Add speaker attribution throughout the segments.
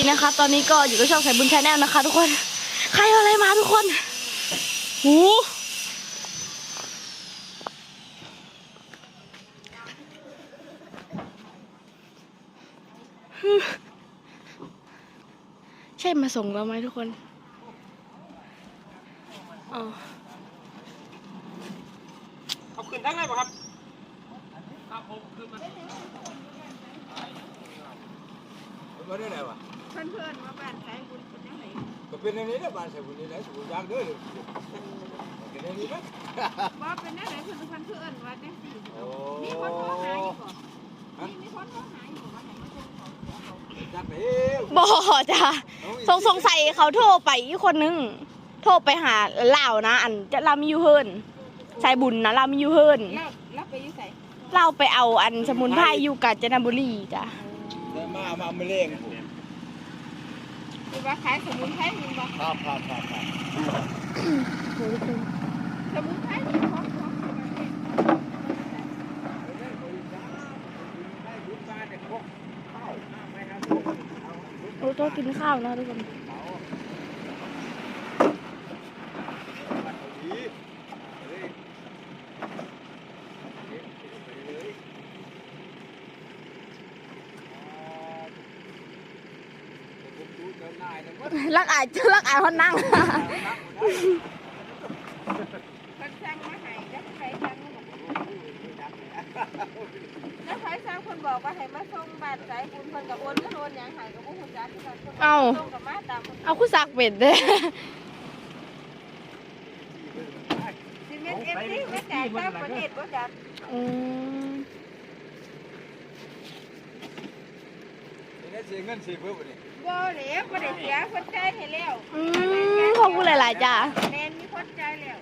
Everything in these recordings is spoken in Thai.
Speaker 1: นะคะตอนนี้ก็อยู่กับช่องสายบุญชาแนลนะคะทุกคนใครเอาอะไรมาทุกคนหูใช่มาส่งเราไหมทุกคนอ๋อ
Speaker 2: เอาขึ้นทั้งไหนป่ะครับครับผมขึ้นมาได้ไหนวะ
Speaker 3: เพื่อนๆว่าบ้านสายบุญเป็นยังไง
Speaker 2: ก็เป็นอย่างนี้นะบ้านสายบุญนี่แหละสายบุญยากเด้อเป็นอย่างนี้นะ
Speaker 3: ว่าเป็นยังไงเพื่อนว่าจังสี่มีคนโทรหาอยู่ก่อนมีคนโทรหาอยู่ว่าไหนมาส่งของ
Speaker 2: จักเด้
Speaker 1: บ่จ้ะสงสัยเขาโทรไปอีกคนนึงโทรไปหาเล่านะอันจะเรามีอยู่เฮิร์นสายบุญนะเรามีอยู่เฮิร์น
Speaker 3: แล้วไปอยู่ใส่
Speaker 1: เราไปเอาอันสมุนไพรอยู่กาญจนบุรีจ้ะ
Speaker 2: มาไม่เล่ง
Speaker 3: คือว่าขายสมุนไพรมึงบอก
Speaker 2: ครับ
Speaker 3: สมุนไพรนี่ของ
Speaker 1: ต้องกินข้าวนะทุกคนรักอายคนนั่ง
Speaker 3: คนสร้างมาให้แล้วใครสร้างแล้วใครสร้างคนบอกว่าให้มาส่งบ้านสายบุญคนกับโอนก็โอนอย่างหายกับพวกคุณจ้าที่เราส่งกับมาตาม
Speaker 1: เอาคู่ซักเป็ดเด้
Speaker 3: ซีเมนต์เอฟซีไม่จ่ายค่าประเทศก็จับ
Speaker 2: เสียเงินเพิ่มนี่
Speaker 3: บ่เหลียวบ่ได้เสียคนใจให้แล้ว
Speaker 1: ขอบคุณหลายๆจ้า
Speaker 3: แมนมีคนใจแล้ว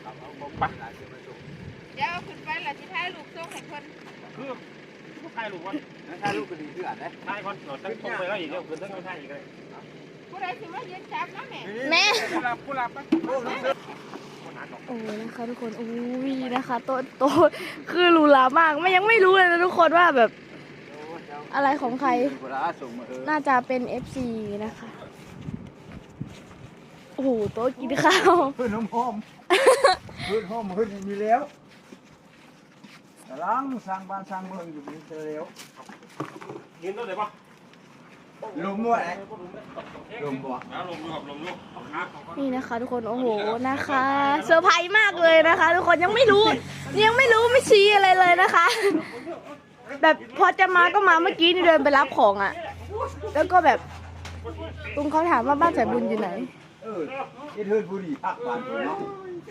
Speaker 3: เดี๋ยวเอาขึ้นไปแล้วที่ท้ายลูกส่งให้คน
Speaker 2: คือผู้ชายลูกวะชายลูกก็ดีขึ้นอ่ะนะชายคนหนวดตั้งตรงไปแล้วอีกเดี๋ยวขึ้นตั้งไม่ใช่อีกเลย
Speaker 3: ผู้ใดสิมายืนจับนะ
Speaker 1: แม่
Speaker 2: ผู้รับ
Speaker 1: โอ้นะคะทุกคนโอ้ยนะคะโตคือหรูหรามากยังไม่รู้เลยนะทุกคนว่าแบบอะไรของใครน่าจะเป็น FC นะคะโอ้โหโต๊ะกินข้าว
Speaker 2: เพื่อนหอมเพื่อนมีแล้วกำลังสร้างบ้านสร้างเมืองอยู่นี่เจอแล้วยืนต้นไหนปะลมด้วยลมบ่ลมครับลมลูก
Speaker 1: นี่นะคะทุกคนโอ้โหนะคะเซอร์ไพรส์มากเลยนะคะทุกคนยังไม่รู้ไม่ชี้อะไรเลยนะคะแบบพอจะมาก็มาเมื่อกี้นี่เดินไปรับของอ่ะแล้วก็แบบลุงเขาถามว่าบ้านสายบุญอยู่ไหน
Speaker 2: ที่เทินบุรีภาคบ้านเนาะ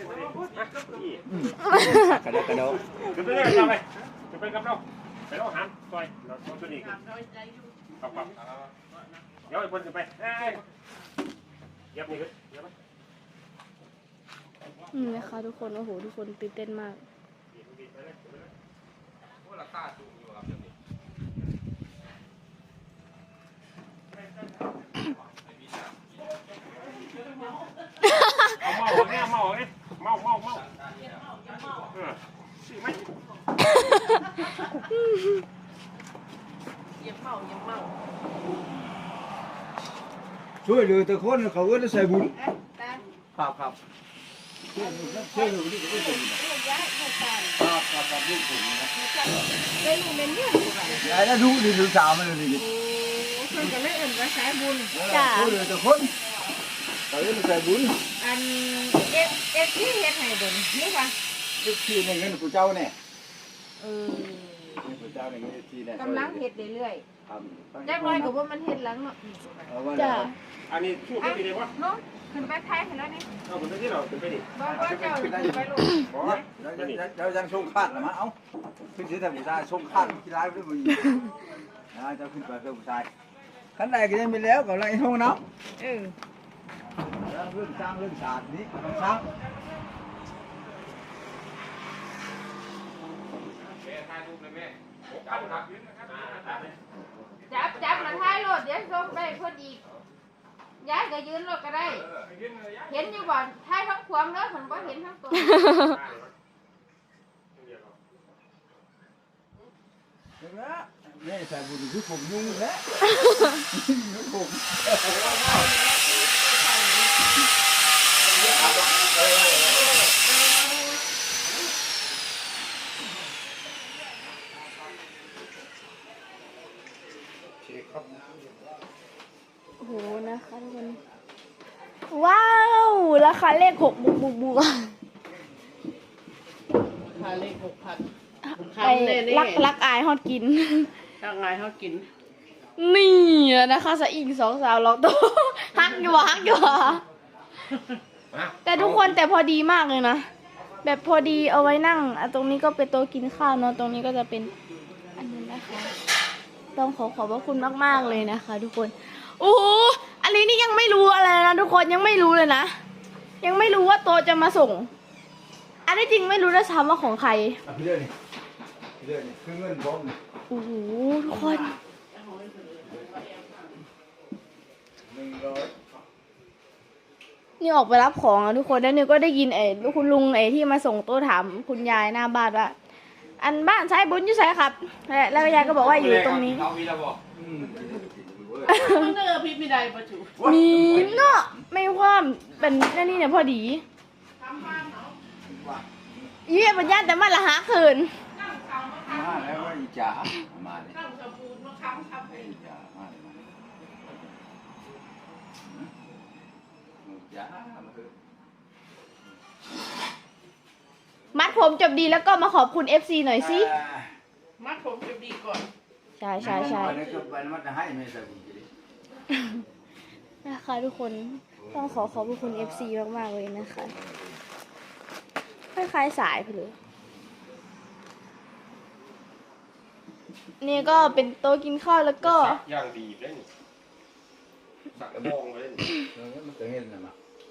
Speaker 2: กระโดดขึ้นไปเลยไปขึ้นไปกับเราไปเราหันซอยเราตัวนี้ครับเดี๋ยวไอ้บนขึ้นไปเย็บนี่ขึ้นเย็บไหม
Speaker 1: นะคะทุกคนโอ้โหทุกคนตื่นเต้นมาก
Speaker 2: เมาเนี่ยเมาสิไม่ช่วยเหลือแต่คนเขาก็จะใส่บุญครับช่วยเหลือที่เขาจะบุญครับลูกผมนะ
Speaker 3: ได้ลูกเล่นเนี่ย
Speaker 2: ไอ้นั่นดูดีดูสาวมันเลยดิ
Speaker 3: คนจะไม่เอิ่นว่าสายบุญ
Speaker 2: ช่วยเหลือแต่คนเขาจะใส่บุญ
Speaker 3: อันเอฟที่เฮ็ดให้บุญนี่ว่า
Speaker 2: ที่ในเงินผู้เจ้าเนี่ยผู้เจ้าในเงินที่เนี่ย
Speaker 3: กำลังเฮ็ดเรื่อยๆแจ้งร้อยกับว่ามันเฮ็ดหลังเนาะ
Speaker 1: จ้ะ
Speaker 2: อันนี้ช่วยไม่ได้วะ
Speaker 3: น้องขึ้นไปท้ายเห็นแล้วนี่
Speaker 2: เอาขึ้นไปที่เราขึ้นไปดิ
Speaker 3: บ่เจ้าขึ้นไปลูก
Speaker 2: เรายังส่งคาดนะมั้งเอ้าขึ้นที่แต่ผู้ชายส่งคาดที่ร้ายด้วยมึงจะขึ้นไปเพื่อผู้ชายขั้นใดก็ยังมีแล้วกับอะไรห้องน้ำเรื่องสร้างเรื่องศาสตร์นี้ต้องสร้าง
Speaker 3: จับมาท้ายรถเดี๋ยวส่งไปคนอีกย้ายก็ยืนรถก็ได้เห็นอยู่บ่ท้ายทั้งความแล้วผมก็เห็นทั้งตัว
Speaker 2: นี่ใส่บุญคือผมยุ่งแล้วผม
Speaker 1: โอ้โหนะคะทุกคนว้าวราคาเลข6บุก
Speaker 4: พาเลข6,000
Speaker 1: ไปรักอายฮอดกิน
Speaker 4: ถ้าไงเขากิน
Speaker 1: นี่นะคะสะอิง2 สาวล็อกโตฮักอยู่วะแต่ทุกคนแต่พอดีมากเลยนะแบบพอดีเอาไว้นั่งตรงนี้ก็เป็นโต๊ะกินข้าวเนาะตรงนี้ก็จะเป็นอันนี้นะคะต้องขอบพระคุณมากๆเลยนะคะ ทุกคนโอ้โหอันนี้นี่ยังไม่รู้อะไรนะทุกคนยังไม่รู้เลยนะยังไม่รู้ว่าโต๊ะจะมาส่ง อันนี้จริงไม่รู้ด้วยซ้ำว่าของใคร
Speaker 2: พี่เลื่อนนี่คือเงินบอม
Speaker 1: โอ้โหทุกคน
Speaker 2: 100
Speaker 1: นี่ออกไปรับของอ่ะทุกคนแล้วนี่ก็ได้ยินคุณลุงที่มาส่งโต๊ะถามคุณยายหน้าบ้านว่าอันบ้านใช้บุญอยู่ใช่ครับแล้วยายก็บอกว่าอยู่ตรงนี้
Speaker 2: เอาวีละบอก
Speaker 4: มันเนอพี่ไม่ได้ประจุ
Speaker 1: มีเนาะไม่ความเป็นนี่เนี่ยพอดียี่ปัญญาแต่มันละหาคืน
Speaker 2: มาแล้วว่าอีจ๋ามาเลย
Speaker 4: ตั้งสบู่มาค้ำครับ
Speaker 2: อีจ๋ามาเลยจ๋ามาเถอะ
Speaker 1: มัดผมจบดีแล้วก็มาขอบคุณ FC หน่อยสิ
Speaker 4: มัดผมจะดีก่อน
Speaker 1: ใช่ใช่ใช่
Speaker 2: ไปแล้วก็ไปแล้วมันจะให้ไม่ใส่บุญกิริ
Speaker 1: นะคะทุกคนต้องขอบคุณ FC มากๆเลยนะคะคล้ายๆสายไปเลยนี่ก็เป็นโต๊ะกินข้าวแล้วก็
Speaker 5: ย่างดีเลยนี่สักกระบองเลยนี่
Speaker 2: มันจะเห็นนะมา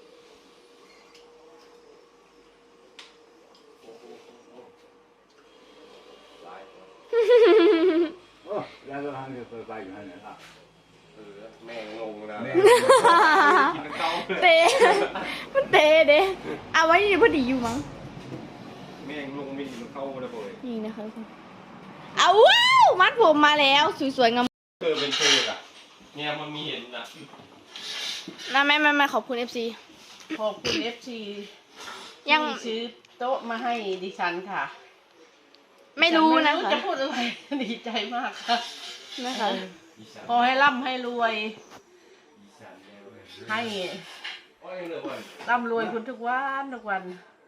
Speaker 2: โอ้แล้วก็ทางเดินไปอยู่นั่นนะครับ
Speaker 5: แม่งงงนะ
Speaker 2: แม่
Speaker 5: กินเต้าเลย
Speaker 1: เตะมันเตะเด้เอาไว้นี่พอดีอยู่มั้ง
Speaker 5: แม่งลงมีมันเข้าเลยบ่อย
Speaker 1: นี่นะคะทุกคนเอาว้าวมัดผมมาแล้วสวยๆงาม
Speaker 5: เธอเป็นเธออ่ะเนี่ยมันมีเห็นนะ
Speaker 1: นะแม่ขอบคุณ FC
Speaker 4: ขอบคุณ FC
Speaker 1: ยัง
Speaker 4: ที่ซื้อโต๊ะมาให้ดิฉันค่ะ
Speaker 1: ไม่รู้นะ
Speaker 4: ไม่
Speaker 1: คะ
Speaker 4: จะพูดอะไร ดีใจมากค่ะ
Speaker 1: นะคะ
Speaker 4: ขอให้ร่ำให้รวย ให้
Speaker 5: โอ้ยเหลือบ่อย
Speaker 4: ร่ำรวยคุณทุกวันทุกวัน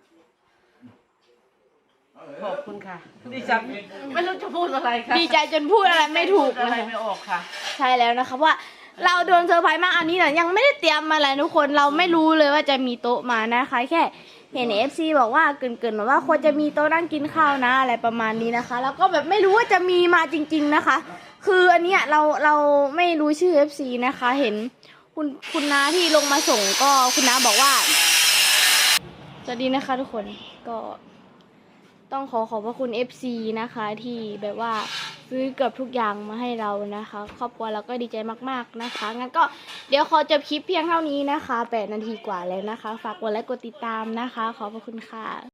Speaker 4: ขอบคุณค่ะ ดิฉันไม่รู้จะพูดอะไรค่ะ
Speaker 1: ดีใจจนพูดอะไรไม่ถูก
Speaker 4: พูดอะไร
Speaker 1: นะคะ
Speaker 4: ไม่ออกค่ะ
Speaker 1: ใช่แล้วนะคะว่าเราโดนเซอร์ไพรส์มากอันนี้เนี่ยยังไม่ได้เตรียมอะไรทุกคนเราไม่รู้เลยว่าจะมีโต๊ะมานะคะแค่เห็น FC บอกว่าเกินๆมาว่าควรจะมีโต๊ะนั่งกินข้าวนะอะไรประมาณนี้นะคะ แล้วก็แบบไม่รู้ว่าจะมีมาจริง ๆนะคะ คืออันเนี้ยเราไม่รู้ชื่อ FC นะคะ เห็นคุณน้าที่ลงมาส่งก็คุณน้าบอกว่าสวัสดีนะคะทุกคนก็ต้องขอบพระคุณ FC นะคะที่แบบว่าซื้อเกือบทุกอย่างมาให้เรานะคะครอบครัวเราก็ดีใจมากๆนะคะงั้นก็เดี๋ยวขอจบคลิปเพียงเท่านี้นะคะ8 นาทีกว่าแล้วนะคะฝากกดไลค์กดติดตามนะคะขอบพระคุณค่ะ